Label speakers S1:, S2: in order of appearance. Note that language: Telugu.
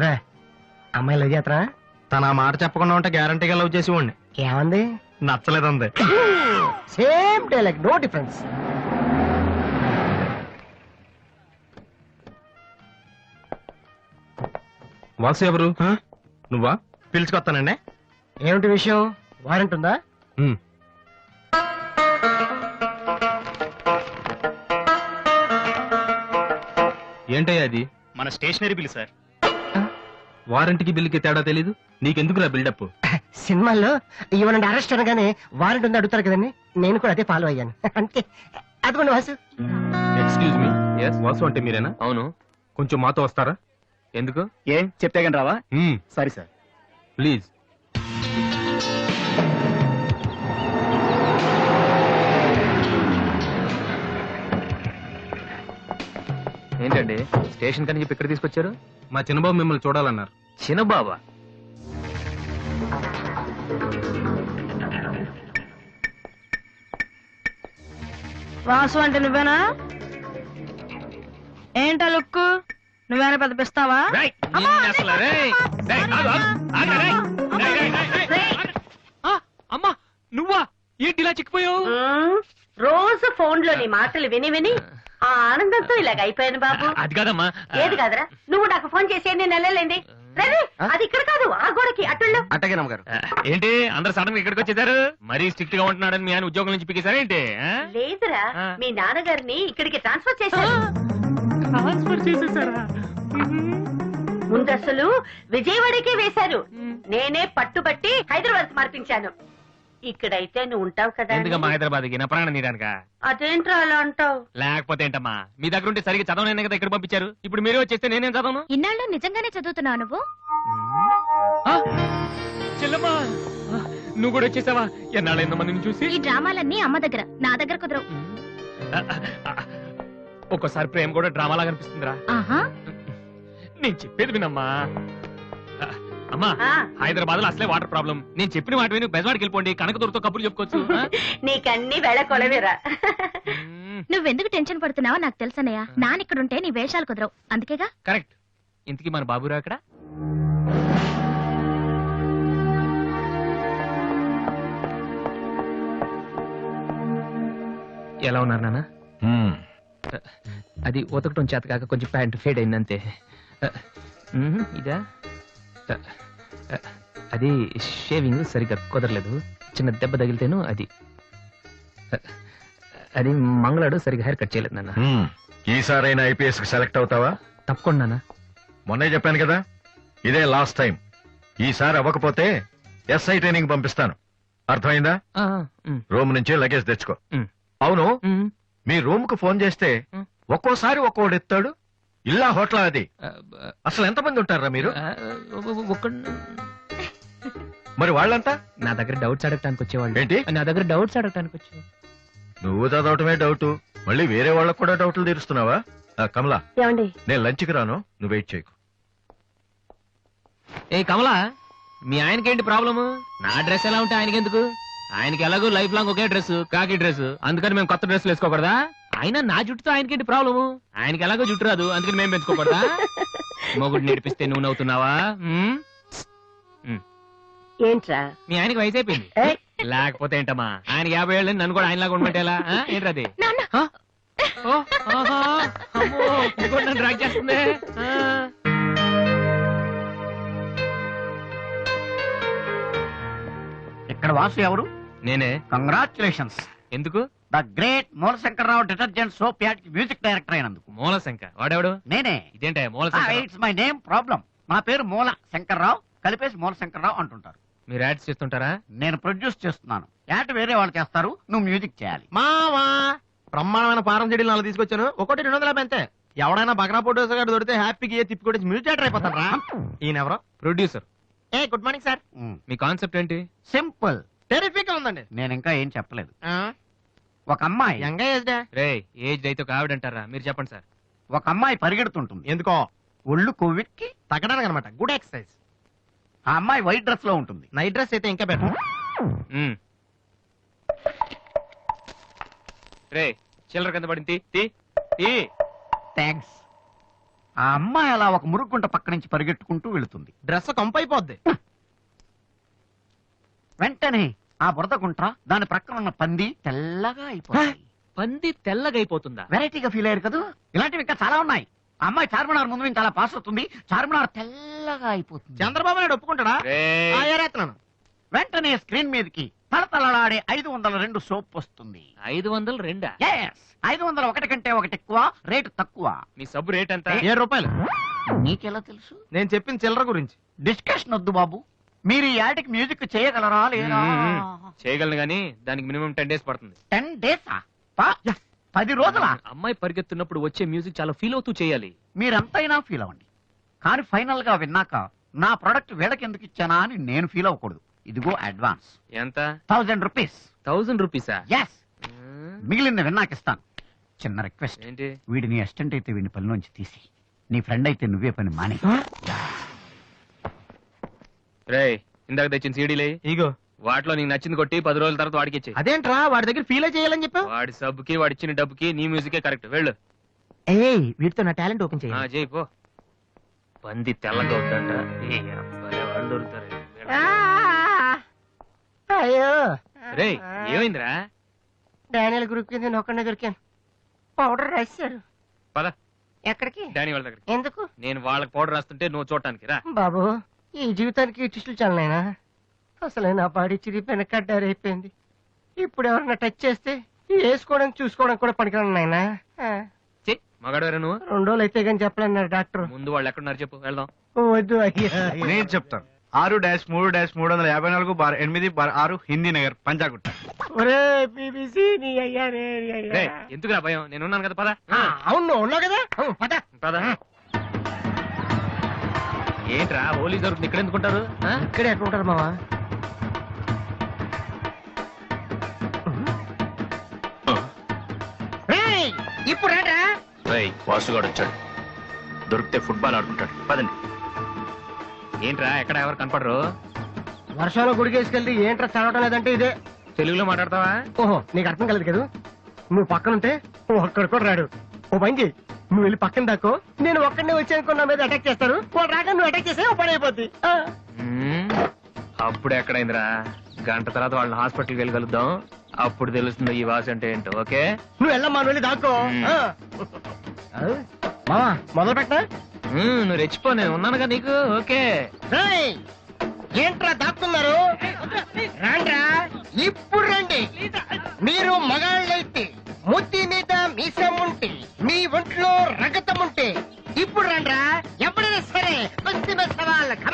S1: ఏంట్రా అమ్మాయి లవ్ చేతరా?
S2: తన ఆ మాట చెప్పకుండా ఉంటే గ్యారంటీగా లవ్ చేసి ఉండి.
S1: ఏమంది?
S2: నచ్చలేదంది.
S1: Same dialogue, no difference.
S2: Vasu ఎవరు? నువ్వా? పిలుచుకొస్తానండి.
S1: ఏమిటి విషయం? వారెంట్ ఉందా?
S2: ఏంటయ్యా అది?
S3: మన స్టేషనరీ బిల్ సార్.
S2: వారంటీకి బిల్లుకి తేడా తెలీదు నీకెందుకురా బిల్డప్?
S1: సినిమాల్లో ఇవ్వనండి అరెస్ట్ అనగానే వారెంట్ ఉందా అడుగుతారు కదండి, నేను కూడా అదే ఫాలో అయ్యాను. అంటే అదిగోండి వాసు.
S2: ఎక్స్క్యూజ్ మీ, వాసు అంటే మీరేనా?
S3: అవును.
S2: కొంచెం మాతో వస్తారా?
S3: ఎందుకు? ఏం చెప్తే కానీ రావా? Sorry sir.
S2: ప్లీజ్.
S3: ఏంటండి స్టేషన్ కని చెప్పి ఇక్కడ తీసుకొచ్చారు?
S2: మా చిన్నబాబు మిమ్మల్ని చూడాలన్నారు.
S3: చిన్నబాబా?
S4: వాసు అంటే నువ్వేనా? ఏంటా లుక్కు? నువ్వేనా పెద్ద పిస్తావా?
S3: అమ్మా నువ్వా? ఏంటి ఇలా చిక్కిపోయావు?
S5: రోజు ఫోన్ లో నీ మాటలు విని విని ఆ ఆనందంతో ఇలాగ అయిపోయాను బాబు.
S3: అది కాదమ్మా.
S5: ఏది కాదరా, నువ్వు నాకు ఫోన్ చేసి ఎన్ని నెలలేంది? రవి, అది ఇక్కడ కాదు, ఆ గోడకి అట్టుల్లో.
S2: అట్టగే నమ్మగారు.
S3: ఏంటి అందరు సడన్ గా ఇక్కడికి వచ్చేసారు? మరీ స్ట్రిక్ట్ గా ఉంటున్నాడని మీ ఆయన ఉద్యోగం నుంచి పిక్కేశారా ఏంటి?
S5: లేదురా, మీ నాన్నగారిని ఇక్కడికి ట్రాన్స్ఫర్ చేశారు. ముందు అసలు విజయవాడకే వేశారు, నేనే పట్టుబట్టి హైదరాబాద్ మార్పించాను. ఇక్కడైతే నువ్వు ఉంటావు కదా.
S3: ఎందుకమ్మా హైదరాబాద్కి? నా ప్రాణం నీడానికా?
S5: అదేంట్రా అలా అంటావు?
S3: లేకపోతే ఏంటమ్మా, మీ దగ్గర ఉంటే సరిగ్గా చదవనైనా కదా ఇక్కడ పంపించారు. ఇప్పుడు మీరే వచ్చేస్తే నేనేం చదవను?
S4: ఇన్నాళ్ళు నిజంగానే చదువుతున్నావు నువ్వు?
S3: చెల్లమ్మా నువ్వు కూడా వచ్చేసావా? ఎన్నాళ్ళైందో మందిని చూసి.
S4: ఈ డ్రామాలన్నీ అమ్మ దగ్గర, నా దగ్గర కుదరవు.
S3: ఒక్కోసారి ప్రేమ కూడా డ్రామాలా కనిపిస్తుందిరా. నేను చెప్పేది వినమ్మా. అమ్మా హైదరాబాద్ లో అసలే వాటర్ ప్రాబ్లం. నేను చెప్పిన మాట విని బెజవాడికి వెళ్ళిపోండి, కనకదుర్తో కబుర్లు చెప్పుకోవచ్చు.
S5: నీకన్నీ వేళ కొలవేరా.
S4: నువ్వెందుకు టెన్షన్ పడుతున్నావో నాకు తెలుసనయ్యా. నానిక్కడుంటే నీ వేషాలు కుదరవు, అందుకేగా.
S3: కరెక్ట్. ఇంతకీ మన బాబురా అక్కడ? ఎలా ఉన్నారు నాన్న? అది ఉతకటం చేత కాక కొంచెం ప్యాంట్ ఫేడ్ అయిందంతే. ఇదా? అది షేవింగ్ సరిగ్గా కుదరలేదు, చిన్న దెబ్బ తగిలితేను. అది మంగళాడు సరిగ్గా హెయిర్ కట్ చేయలేదు నాన్న.
S6: ఈసారైనా ఐపీఎస్ కి సెలెక్ట్ అవుతావా?
S3: తప్పకుండా నాన్న.
S6: మొన్నే చెప్పాను కదా, ఇదే లాస్ట్ టైం. ఈసారి అవ్వకపోతే ఎస్ఐ ట్రైనింగ్ పంపిస్తాను, అర్థమైందా? రూమ్ నుంచి లగేజ్ తెచ్చుకో. అవును, మీ రూమ్ కు ఫోన్ చేస్తే ఒక్కోసారి ఒక్కోడు ఎత్తాడు. ఇల్లా హోటల్ అది? అసలు ఎంతమంది ఉంటారా మీరు? మరి వాళ్ళంతా
S3: నా దగ్గర డౌట్స్ అడగటానికి వచ్చేవాళ్ళు.
S6: ఏంటి?
S3: నా దగ్గర డౌట్స్ అడగటానికి వచ్చేవాళ్ళు.
S6: నువ్వు చదవటమే డౌట్, మళ్ళీ వేరే వాళ్ళకు కూడా డౌట్లు తీరుస్తున్నావా? కమలా, నేను లంచ్కి రాను, నువ్వు వెయిట్ చేయకు.
S3: ఏ కమలా, మీ ఆయనకేంటి ప్రాబ్లము? నా డ్రెస్ ఎలా ఉంటే ఆయనకెందుకు? ఆయనకి ఎలాగో లైఫ్ లాంగ్ ఒకే డ్రెస్, కాకి డ్రెస్, అందుకని మేము కొత్త డ్రెస్లు వేసుకోకూడదా? అయినా నా జుట్టుతో ఆయనకేంటి ప్రాబ్లము? ఆయనకి ఎలాగో జుట్టు రాదు, అందుకని మేము పెంచుకోకూడదా? మొగుడు నేర్పిస్తే నువ్వు నవ్వుతున్నావా?
S5: ఏంట్రా
S3: మీ ఆయనకి వయసు అయిపోయింది. లేకపోతే ఏంటమ్మా, ఆయన 50 ఏళ్ళు నన్ను కూడా ఆయనలాగా ఉండమంటే ఎలా? ఏంటది? నన్ను డ్రాక్ చేస్తుంది.
S7: ఇక్కడ వాసు ఎవరు?
S3: నేనే.
S7: కంగ్రాచులేషన్స్.
S3: ఎందుకు?
S7: The great Moolashankararao detergent soap ad music director అయినందుకు.
S3: మూలశంకర్ వాడెవడు?
S7: నేనే.
S3: ఇదేంటే Moolashankar?
S7: It's my name problem. నా పేరు మూల శంకర్రావు, కలిపేసి మూలశంకరరావు అంటుంటారు.
S3: మీరు యాడ్స్ చేస్తుంటారా?
S7: నేను ప్రొడ్యూస్ చేస్తున్నాను. యాడ్ వేరే వాళ్ళు చేస్తారు, నువ్వు మ్యూజిక్ చేయాలి.
S2: మావా బ్రహ్మాండమైన పారం చెడీలు 4 తీసుకొచ్చాను, ఒకటి 250 అంతే. ఎవడైనా బగ్రా ఫోటోస్ గారు దొరికితే హ్యాపీగా తిప్పి కొట్టేసి మ్యూజిక్ డైరెక్టర్ అయిపోతారా? ఈయన ఎవరో
S3: ప్రొడ్యూసర్.
S2: Good morning sir.
S3: మీ కాన్సెప్ట్ ఏంటి?
S7: సింపుల్,
S2: టెరిఫిక్ గా ఉందండి.
S7: నేను ఇంకా ఏం చెప్పలేదు. ఒక అమ్మాయి
S3: రే ఏజ్ అయితే ఒక ఆవిడ అంటారా? మీరు చెప్పండి సార్.
S7: ఒక అమ్మాయి పరిగెడుతుంటుంది.
S2: ఎందుకో?
S7: ఒళ్ళు కొవ్వెక్కి
S2: తగ్గడానికి అనమాట. Good exercise.
S7: ఆ అమ్మాయి వైట్ డ్రెస్ లో ఉంటుంది.
S2: నైట్ డ్రెస్ అయితే ఇంకా బెటర్.
S3: రే చిల్లర కింద పడింది.
S7: థ్యాంక్స్. ఆ అమ్మాయి అలా ఒక మురుగుంట పక్క నుంచి పరిగెట్టుకుంటూ వెళుతుంది.
S2: డ్రెస్ కంపైపోద్ది.
S7: వెంటనే ఆ బురద గుంట దాని ప్రక్కన ఉన్న పంది తెల్లగా అయిపోయింది.
S3: పంది తెల్లగైపోతుందా?
S7: వెరైటీగా ఫీల్ అయ్యారు కదా. ఇలాంటివి ఇంకా చాలా ఉన్నాయి. ఆ అమ్మాయి చార్మినార్ ముందు నుంచి అలా పాస్ అవుతుంది, చార్మినార్ తెల్లగా అయిపోతుంది.
S2: చంద్రబాబు నాయుడు ఒప్పుకుంటాడా?
S3: రేయ్,
S2: ఏరేస్తున్నాను.
S7: వెంటనే స్క్రీన్ మీదకి తలతలలాడే 502 సోప్ వస్తుంది.
S3: 502?
S7: Yes, 501 కంటే ఒకటి ఎక్కువ, రేటు తక్కువ.
S3: మీ సబ్బు రేట్ ఎంత?
S2: 7 రూపాయలు.
S7: నీకెలా తెలుసు?
S2: నేను చెప్పిన చిల్లర గురించి.
S7: డిస్కషన్ వద్దు బాబు. మీరు ఈ యాడ్కి మ్యూజిక్ చేయగలరా లేదా?
S3: చేయగలను గానీ దానికి మినిమం 10 days పడుతుంది.
S7: 10 days 10 రోజులా?
S3: అమ్మాయి పరిగెత్తున్నప్పుడు వచ్చే మ్యూజిక్ చాలా ఫీల్ అవుతూ చేయాలి.
S7: మీరంతైనా ఫీల్ అవ్వండి, కానీ ఫైనల్ గా విన్నాక నా ప్రొడక్ట్ వీళ్ళకి ఎందుకు ఇచ్చానా అని నేను ఫీల్ అవ్వకూడదు. ఇదిగో అడ్వాన్స్
S3: ఎంత?
S7: 1000 రూపీస్.
S3: 1000 రూపీసా?
S7: ఎస్, మిగిలిన విన్నాక ఇస్తాను. చిన్న రిక్వెస్ట్,
S3: ఏంటి?
S7: వీడి నీ అసిస్టెంట్ అయితే వీడిని పనిలోంచి తీసి, నీ ఫ్రెండ్ అయితే నువ్వే పని మానే.
S3: రేయ్, ఇందాక తెచ్చిన సీడీలే
S2: ఇగో.
S3: వాటిలో నీకు నచ్చింది కొట్టి 10 రోజుల తర్వాత వాడికి ఇచ్చే.
S2: అదేంట్రా వాడి దగ్గర ఫీల్ చేయాలని చెప్పావు?
S3: వాడి సబ్బుకి వాడి ఇచ్చిన డబ్బుకి నీ మ్యూజికే కరెక్ట్. వెళ్ళు.
S1: ఏయ్ వీటితో నా టాలెంట్ ఓపెన్
S3: ఆ,
S1: చేయాలి.
S3: చేయి పో. పంది తెల్లగా అవుతుందంట. ఏ అబ్బాయి, వాళ్ళు దొరుకుతారు.
S1: అయ్యో
S3: రేయ్, ఏమైందిరా?
S1: డానియల్ గ్రూప్ కింద నేను ఒక్కడే దొరికాను. పౌడర్ రాశారు.
S3: పద
S1: ఎక్కడికి?
S3: డానీ వాళ్ళ దగ్గరికి.
S1: ఎందుకు
S3: నేను వాళ్ళకి పౌడర్ రాస్తుంటే నువ్వు చూడటానికి రా.
S1: బాబు? ఈ జీవితానికి టిష్యూలు చాలనైనా. అసలే నా బాడీ చిరిగిపోయిన కడ్డారైపోయింది. ఇప్పుడు ఎవరన్నా టచ్ చేస్తే వేసుకోవడం చూసుకోవడం కూడా పనికిరాను నాయనా.
S3: చెయ్, మగాడు నువ్వు.
S1: 2 రోజులు అయితే కానీ చెప్పలేన్నారు డాక్టర్.
S3: ముందు వాళ్ళు ఎక్కడున్నారు చెప్పు, వెళ్దాం.
S1: వద్దు అయ్యా.
S2: నేను చెప్తాను. 6-3-358/8/6 హిందీ నగర్ పంజాగుట్ట.
S1: ఒరే బీబీసీ నీ అయ్యా రే నీ అయ్యా.
S3: రేయ్, ఎందుకురా భయం? నేను ఉన్నాను కదా, పద.
S1: అవును నువ్వు ఉన్నావు కదా. పద.
S3: పద. ఏంట్రా పోలీస్ దొరుకుతుంది ఇక్కడ ఎందుకుంటారు?
S1: ఇక్కడే ఎక్కడ ఉంటారు మావా? ఇప్పుడు రాడా?
S3: వాసుగాడు వచ్చాడు. దొరికితే ఫుట్బాల్ ఆడుకుంటాడు. పదండి. ఏంట్రా ఎక్కడ ఎవరు కనపడరు?
S1: వర్షంలో గుడికేసుకెళ్ళి ఏంట్రా చదవటం లేదంటే ఇదే.
S3: తెలుగులో మాట్లాడతావా?
S1: ఓహో నీకు అర్థం కలదు కదా. నువ్వు పక్కనుంటే ఒక్కడు కూడా రాడు. ఓ పని చెయ్యి, నువ్వు వెళ్ళి పక్కన దాక్కో. నేను ఒక్కడనే వచ్చానుకో, నా మీద అటాక్ చేస్తాను. వాడు రాక నువ్వు అటాక్ చేస్తే ఓ పని అయిపోద్ది.
S3: అప్పుడు ఎక్కడైందిరా? గంట తర్వాత వాళ్ళని హాస్పిటల్కి వెళ్ళి కలుద్దాం. అప్పుడు తెలుస్తుంది ఈ వాసి అంటే ఏంటో. ఓకే,
S1: నువ్వు వెళ్ళమ్మా, నువ్వు వెళ్ళి దాక్కో. మావా మొదలు పెట్టా.
S3: నువ్వు రెచ్చిపో, నేను ఉన్నానుగా నీకు. ఓకే.
S1: ఏంట్రా దాక్కున్నారు? రాండ్రా, ఇప్పుడు రండి. మీరు మగాళ్ళైతే, ముద్ది మీద మీసం ఉంటే, మీ ఒంట్లో రగతం ఉంటే ఇప్పుడు రండ్రా. ఎవరైనా సరే,